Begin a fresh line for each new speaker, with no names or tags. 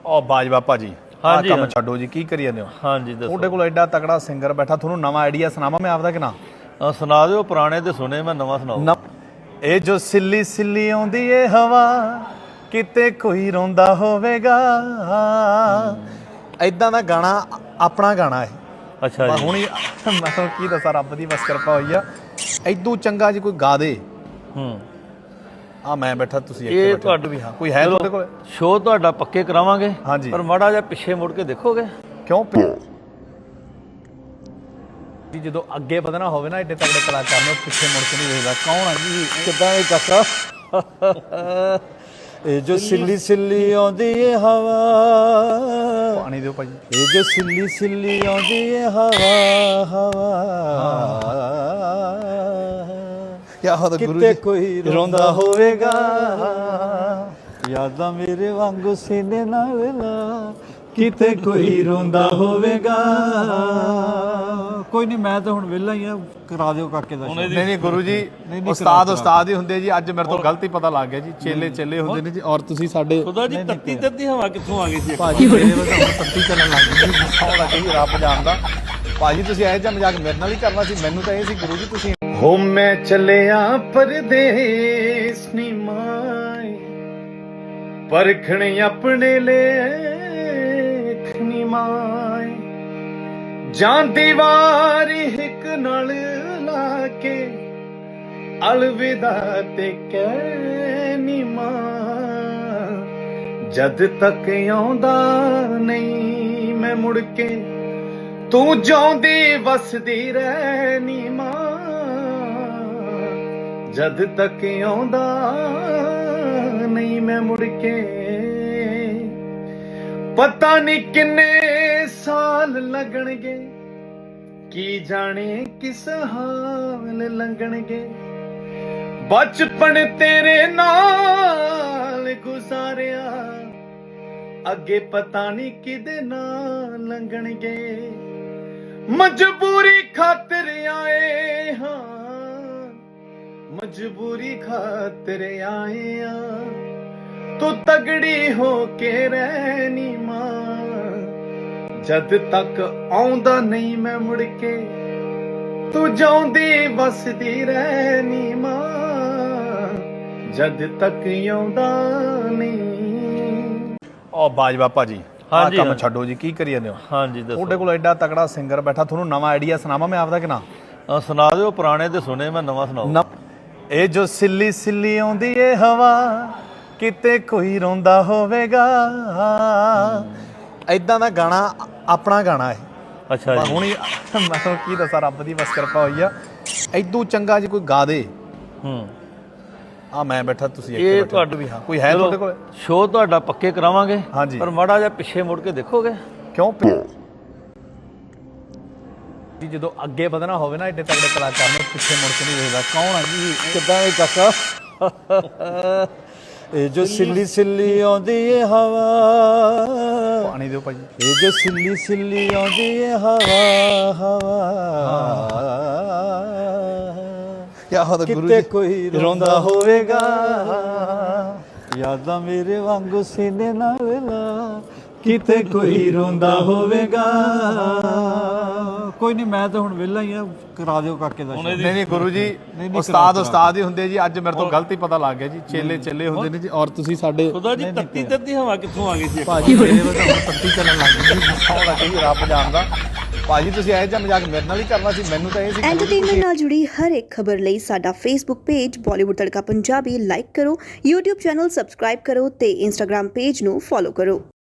ਉਹ ਬਾਜਵਾ ਭਾਜੀ ਆਹ
ਹਾਂਜੀ,
ਕੰਮ
ਹਾਂ।
ਛੱਡੋ ਜੀ, ਕੀ ਕਰੀ ਜਾਂਦੇ ਹੋ?
ਹਾਂਜੀ ਦੱਸੋ।
ਤੁਹਾਡੇ ਕੋਲ ਐਡਾ ਤਕੜਾ ਸਿੰਗਰ ਬੈਠਾ, ਤੁਹਾਨੂੰ ਨਵਾਂ ਆਈਡੀਆ ਸੁਣਾਵਾਂ ਮੈਂ ਆਪਦਾ ਕਿ ਨਾ?
ਸੁਣਾ ਦਿਓ, ਪੁਰਾਣੇ ਤੇ ਸੁਣੇ, ਮੈਂ ਨਵਾਂ ਸੁਣਾਓ।
ਇਹ ਜੋ ਸਿੱਲੀ ਸਿੱਲੀ ਆਉਂਦੀ ਏ ਹਵਾ, ਕਿਤੇ ਕੋਈ ਰੋਂਦਾ ਹੋਵੇਗਾ। ਐਦਾਂ ਦਾ ਗਾਣਾ ਆਪਣਾ ਗਾਣਾ ਹੈ।
ਅੱਛਾ ਜੀ।
ਹੁਣ ਮੈਂ ਤੁਹਾਨੂੰ ਕੀ ਦੱਸਾਂ, ਰੱਬ ਦੀ ਬਸ ਕਿਰਪਾ ਹੋਈ ਆ। ਐਦੂ ਚੰਗਾ ਜੀ ਕੋਈ ਗਾ ਦੇ। ਆ ਮੈਂ ਬੈਠਾ, ਤੁਸੀਂ ਇੱਥੇ
ਇਹ
ਬੈਠੇ
ਤੁਹਾਡੇ
ਵੀ ਹਾਂ, ਕੋਈ ਹੈ ਤੁਹਾਡੇ ਕੋਲ?
ਸ਼ੋਅ ਤੁਹਾਡਾ ਪੱਕੇ ਕਰਾਵਾਂਗੇ,
ਹਾਂਜੀ।
ਪਰ ਮਾੜਾ ਜਿਹਾ ਪਿੱਛੇ ਮੁੜ ਕੇ ਦੇਖੋਗੇ।
ਕਿਉਂ ਜੀ ਜਦੋਂ ਅੱਗੇ ਵਧਣਾ ਹੋਵੇ ਨਾ, ਏਡੇ ਤਗੜੇ ਕਲਾਕਾਰ ਨੂੰ ਪਿੱਛੇ ਮੁੜ ਕੇ ਨਹੀਂ ਵੇਖਦਾ। ਕੌਣ ਆ ਜੀ?
ਕਿੱਦਾਂ ਇਹ ਕਾਕਾ? ਇਹ ਜੋ ਸਿੱਲੀ ਸਿੱਲੀ ਆਉਂਦੀ ਏ ਹਵਾ,
ਪਾਣੀ ਦਿਓ ਭਾਜੀ।
ਇਹ ਜੋ ਸਿੱਲੀ ਸਿੱਲੀ ਆਉਂਦੀ ਏ ਹਵਾ, ਹਵਾ
ਕਿਆ ਹੋਦਾ ਗੁਰੂ
ਕਿਤੇ
ਜੀ?
ਕੋਈ ਰੋਂਦਾ ਹੋਵੇਗਾ, ਯਾਦਾਂ ਮੇਰੇ ਵਾਂਗੂ ਸੀਨੇ ਨਾਲ ਲਾ, ਕਿਤੇ ਕੋਈ ਰੋਂਦਾ ਹੋਵੇਗਾ। ਕੋਈ ਨਹੀਂ, ਮੈਂ ਤਾਂ ਹੁਣ ਵਿਹਲਾ ਹੀ ਆ, ਕਰਾ ਦਿਓ ਕਾਕੇ ਦਾ।
ਨਹੀਂ ਨਹੀਂ ਗੁਰੂ ਜੀ, ਉਸਤਾਦ ਉਸਤਾਦ ਹੀ ਹੁੰਦੇ ਜੀ। ਅੱਜ ਮੇਰੇ ਤੋਂ ਗਲਤੀ ਪਤਾ ਲੱਗ ਗਿਆ ਜੀ, ਚੇਲੇ ਚੇਲੇ ਹੁੰਦੇ ਨੇ ਜੀ। ਔਰ ਤੁਸੀਂ ਸਾਡੇ
ਖੁਦਾ ਜੀ, ਤੱਤੀ ਤੱਤੀ ਹਵਾ ਕਿੱਥੋਂ ਆ ਗਈ ਸੀ?
ਭਾਜੀ ਮੇਰੇ ਵੱਲ ਤਾਂ ਤੱਤੀ ਚੱਲਣ ਲੱਗ ਗਈ ਜੀ। ਸੌਣਾ ਕਹੀ ਰੱਬ ਜਾਣਦਾ। ਭਾਜੀ ਤੁਸੀਂ ਇਹੋ ਜਿਹਾ ਮਜ਼ਾਕ ਮੇਰੇ ਨਾਲ ਹੀ ਕਰਨਾ ਸੀ। ਮੈਨੂੰ ਤਾਂ ਇਹ ਸੀ ਗੁਰੂ ਜੀ ਤੁਸੀਂ ਹੋ ਮੈਂ ਚੱਲਿਆ ਪਰਦੇਸ ਨੀ ਮਾਏ, ਪਰਖਣ ਆਪਣੇ ਲੇਖ ਨੀ ਮਾਏ, ਜਾਂਦੀ ਵਾਰੀ ਇੱਕ ਨਾਲ ਲਾ ਕੇ ਅਲਵਿਦਾ ਤੇ ਕਹਿ ਨੀ ਮਾਂ, ਜਦ ਤੱਕ ਆਉਂਦਾ ਨਹੀਂ ਮੈਂ ਮੁੜ ਕੇ, ਤੂੰ ਜਿਉਂਦੀ ਵਸਦੀ ਰਹਿ ਨੀ ਮਾਂ, ਜਦ ਤੱਕ ਆਉਂਦਾ ਨਹੀਂ ਮੈਂ ਮੁੜ ਕੇ। ਪਤਾ ਨਹੀਂ ਕਿੰਨੇ ਸਾਲ ਲੱਗਣਗੇ, ਕੀ ਜਾਣੇ ਕਿਸ ਹਾਲ ਲੰਘਣਗੇ, ਬਚਪਨ ਤੇਰੇ ਨਾਲ ਗੁਜ਼ਾਰਿਆ, ਅੱਗੇ ਪਤਾ ਨਹੀਂ ਕਿਹਦੇ ਨਾਲ ਲੰਘਣਗੇ। ਮਜਬੂਰੀ ਖਾਤਰ ਆਏ ਹਾਂ, ਮਜਬੂਰੀ ਖਾਤਰ ਆਏ ਆ, ਤੂੰ ਤਗੜੀ ਹੋ ਕੇ ਰਹਿ ਨੀ ਮਾਂ, ਜਦ ਤੱਕ ਆਉਂਦਾ ਨਹੀਂ ਮੈਂ ਮੁੜ ਕੇ, ਤੂੰ ਜਿਉਂਦੀ ਵਸਦੀ ਰਹਿ ਨੀ ਮਾਂ, ਜਦ ਤੱਕ ਆਉਂਦਾ ਨਹੀਂ। ਉਹ ਬਾਜਵਾ ਭਾਜੀ ਆਹ ਕੰਮ ਛੱਡੋ ਜੀ, ਕੀ ਕਰੀ ਜਾਂਦੇ ਹੋ?
ਹਾਂਜੀ ਦੱਸੋ।
ਤੁਹਾਡੇ ਕੋਲ ਐਡਾ ਤਕੜਾ ਸਿੰਗਰ ਬੈਠਾ, ਤੁਹਾਨੂੰ ਨਵਾਂ ਆਈਡੀਆ ਸੁਣਾਵਾਂ ਮੈਂ ਆਪਦਾ ਕਿ ਨਾ?
ਸੁਣਾ ਦਿਓ, ਪੁਰਾਣੇ ਤੇ ਸੁਣੇ, ਮੈਂ ਨਵਾਂ ਸੁਣਾਓ।
ਇਹ ਜੋ ਸਿੱਲੀ ਸਿੱਲੀ ਆਉਂਦੀ ਏ ਹਵਾ, ਕਿਤੇ ਕੋਈ ਰੋਂਦਾ ਹੋਵੇਗਾ। ਐਦਾਂ ਦਾ ਗਾਣਾ ਆਪਣਾ ਗਾਣਾ ਹੈ।
ਅੱਛਾ ਜੀ।
ਹੁਣ ਮੈਂ ਤੁਹਾਨੂੰ ਕੀ ਦੱਸਾਂ, ਰੱਬ ਦੀ ਬਸ ਕਿਰਪਾ ਹੋਈ ਆ। ਐਦੂ ਚੰਗਾ ਜੀ ਕੋਈ ਗਾ ਦੇ। ਆ ਮੈਂ ਬੈਠਾ, ਤੁਸੀਂ ਇੱਥੇ ਬੈਠੇ
ਤੁਹਾਡੇ
ਵੀ ਹਾਂ, ਕੋਈ ਹੈ ਤੁਹਾਡੇ ਕੋਲ?
ਸ਼ੋਅ ਤੁਹਾਡਾ ਪੱਕੇ ਕਰਾਵਾਂਗੇ,
ਹਾਂਜੀ।
ਪਰ ਮਾੜਾ ਜਿਹਾ ਪਿੱਛੇ ਮੁੜ ਕੇ ਦੇਖੋਗੇ।
ਕਿਉਂ ਜੀ ਜਦੋਂ ਅੱਗੇ ਵਧਣਾ ਹੋਵੇ ਨਾ, ਏਡੇ ਤਗੜੇ ਕਲਾਕਾਰ ਨੂੰ ਪਿੱਛੇ ਮੁੜ ਕੇ ਨਹੀਂ ਵੇਖਦਾ। ਕੌਣ ਆ ਜੀ?
ਕਿੱਦਾਂ ਇਹ ਕਾਕਾ? ਇਹ ਜੋ ਸਿੱਲੀ ਸਿੱਲੀ ਆਉਂਦੀ ਏ ਹਵਾ,
ਪਾਣੀ ਦਿਓ ਭਾਜੀ।
ਇਹ ਜੋ ਸਿੱਲੀ ਸਿੱਲੀ ਆਉਂਦੀ ਏ ਹਵਾ, ਹਵਾ
ਕਿਆ ਹੋਦਾ ਗੁਰੂ
ਕਿਤੇ
ਜੀ?
ਕੋਈ ਰੋਂਦਾ ਹੋਵੇਗਾ, ਯਾਦਾਂ ਮੇਰੇ ਵਾਂਗੂ ਸੀਨੇ ਨਾਲ ਲਾ, ਕਿਤੇ ਕੋਈ ਰੋਂਦਾ ਹੋਵੇਗਾ। ਕੋਈ ਨਹੀਂ, ਮੈਂ ਤਾਂ ਹੁਣ ਵਿਹਲਾ ਹੀ ਆ, ਕਰਾ ਦਿਓ ਕਾਕੇ ਦਾ।
ਨਹੀਂ ਨਹੀਂ ਗੁਰੂ ਜੀ, ਉਸਤਾਦ ਉਸਤਾਦ ਹੀ ਹੁੰਦੇ ਜੀ। ਅੱਜ ਮੇਰੇ ਤੋਂ ਗਲਤੀ ਪਤਾ ਲੱਗ ਗਿਆ ਜੀ, ਚੇਲੇ ਚੇਲੇ ਹੁੰਦੇ ਨੇ ਜੀ। ਔਰ ਤੁਸੀਂ ਸਾਡੇ
ਖੁਦਾ ਜੀ, ਤੱਤੀ ਤੱਤੀ ਹਵਾ ਕਿੱਥੋਂ ਆ ਗਈ ਸੀ?
ਭਾਜੀ ਮੇਰੇ ਵੱਲ ਤਾਂ ਤੱਤੀ ਚੱਲਣ ਲੱਗ ਗਈ ਜੀ। ਸੌਣਾ ਕਹੀ ਰੱਬ ਜਾਣਦਾ। ਭਾਜੀ ਤੁਸੀਂ ਇਹੋ ਜਿਹਾ ਮਜ਼ਾਕ ਮੇਰੇ ਨਾਲ ਹੀ ਕਰਨਾ ਸੀ। ਮੈਨੂੰ ਤਾਂ ਇਹ ਸੀ
ਐਂਟਰਟੇਨਮੈਂਟ ਨਾਲ ਜੁੜੀ ਹਰ ਇੱਕ ਖਬਰ ਲਈ ਸਾਡਾ Facebook page Bollywood Tadka Punjabi like ਕਰੋ, YouTube ਚੈਨਲ ਸਬਸਕ੍ਰਾਈਬ ਕਰੋ ਤੇ Instagram ਪੇਜ ਨੂੰ ਫੋਲੋ ਕਰੋ।